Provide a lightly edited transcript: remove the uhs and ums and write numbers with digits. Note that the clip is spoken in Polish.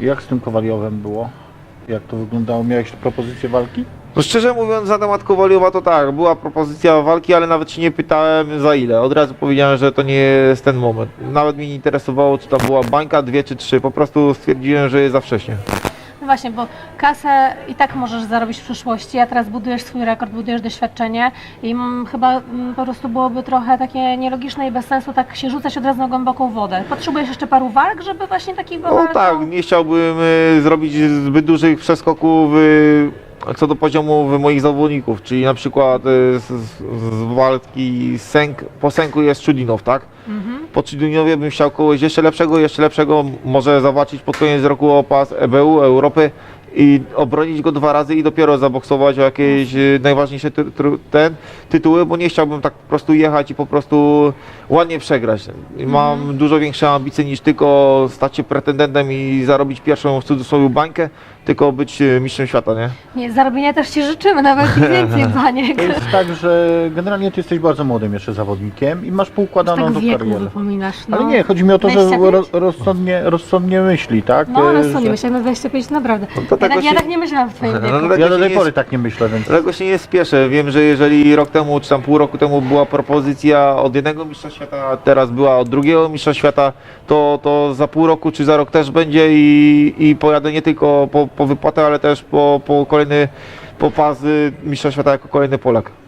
Jak z tym Kowaliowem było? Jak to wyglądało? Miałeś propozycję walki? No szczerze mówiąc, na temat Kowaliowa to tak, była propozycja walki, ale nawet się nie pytałem za ile. Od razu powiedziałem, że to nie jest ten moment. Nawet mnie nie interesowało, czy tam była bańka, 2 czy 3. Po prostu stwierdziłem, że jest za wcześnie. No właśnie, bo kasę i tak możesz zarobić w przyszłości, a teraz budujesz swój rekord, budujesz doświadczenie i chyba po prostu byłoby trochę takie nielogiczne i bez sensu tak się rzucać od razu na głęboką wodę. Potrzebujesz jeszcze paru walk, żeby właśnie takich No tak, nie chciałbym zrobić zbyt dużych przeskoków co do poziomu moich zawodników, czyli na przykład z walki po Sęku jest Czudinow, tak? Po Czudinowie bym chciał kogoś jeszcze lepszego, może zawalczyć pod koniec roku o pas EBU, Europy i obronić go 2 razy i dopiero zaboksować o jakieś najważniejsze tytuły, bo nie chciałbym tak po prostu jechać i po prostu ładnie przegrać. Mam dużo większe ambicje niż tylko stać się pretendentem i zarobić pierwszą w cudzysłowie bańkę, tylko być mistrzem świata, nie? Nie, zarobienia też Ci życzymy, nawet i więcej, Baniek. To jest tak, że generalnie ty jesteś bardzo młodym jeszcze zawodnikiem i masz poukładaną Tak tą wieku karierę. wypominasz, no. Ale nie, chodzi mi o to, że 25? rozsądnie myśli, tak? No, Że- rozsądnie, myślałem na 25, naprawdę. No to tego Ja się- tak nie myślałam w Twoim wieku. No, Ja do tej nie pory jest- tak nie myślę, więc... Dlatego się nie spieszę. Wiem, że jeżeli rok temu, czy tam pół roku temu była propozycja od jednego mistrza świata, a teraz była od drugiego mistrza świata, to za pół roku czy za rok też będzie i pojadę nie tylko po wypłatę, ale też po kolejny pas mistrza świata jako kolejny Polak.